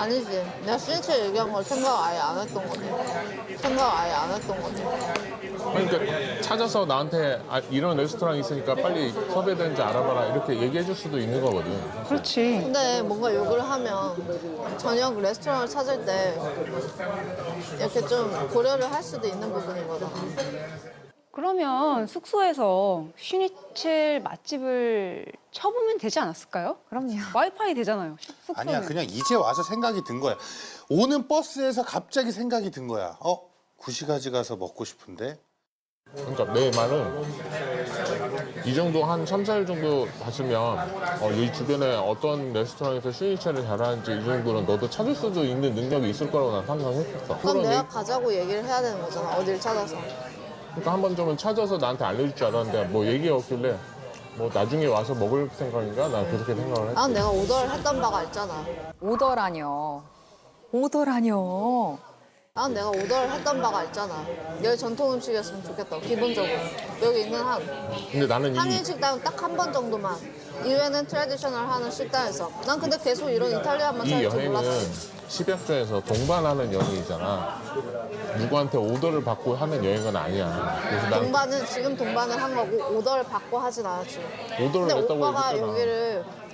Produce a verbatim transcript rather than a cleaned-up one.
아니지. 내가 시니체 얘기한 걸 생각 아예 안 했던 거지. 생각 아예 안 했던 거지. 그러니까 찾아서 나한테 아, 이런 레스토랑 있으니까 빨리 섭외되는지 알아봐라 이렇게 얘기해 줄 수도 있는 거거든. 그렇지. 근데 뭔가 욕을 하면 저녁 레스토랑을 찾을 때 이렇게 좀 고려를 할 수도 있는 부분인 거잖아. 그러면 숙소에서 슈니첼 맛집을 쳐보면 되지 않았을까요? 그럼요. 와이파이 되잖아요. 숙소는. 아니야, 그냥 이제 와서 생각이 든 거야. 오는 버스에서 갑자기 생각이 든 거야. 어? 구시가지 가서 먹고 싶은데? 그러니까 내 말은 이 정도 한 삼, 사 일 정도 봤으면 어, 이 주변에 어떤 레스토랑에서 슈니체를 잘하는지 이 정도는 너도 찾을 수도 있는 능력이 있을 거라고 난 상상했었어. 그럼 내가 얘기- 가자고 얘기를 해야 되는 거잖아. 어딜 찾아서. 그러니까 한 번 좀은 찾아서 나한테 알려줄 줄 알았는데 뭐 얘기가 없길래 뭐 나중에 와서 먹을 생각인가? 난 그렇게 생각을 했지. 난 내가 오더를 했던 바가 있잖아. 오더라뇨. 오더라뇨. 난 내가 오더를 했던 바가 있잖아. 여기 전통 음식이었으면 좋겠다. 기본적으로. 여기 있는 한 근데 나는 이 한인 식당은 딱 한 번 정도만. 이외에는 트레디셔널 하는 식당에서. 난 근데 계속 이런 이탈리안만 이 찾을 줄 여행은 몰랐어. 십약조에서 동반하는 여행이잖아. 누구한테 오더를 받고 하는 여행은 아니야. 그래서 난 동반은 지금 동반을 한 거고 오더를 받고 하진 않았지. 오더를 근데 냈다고 오빠가 얘기했잖아. 여기를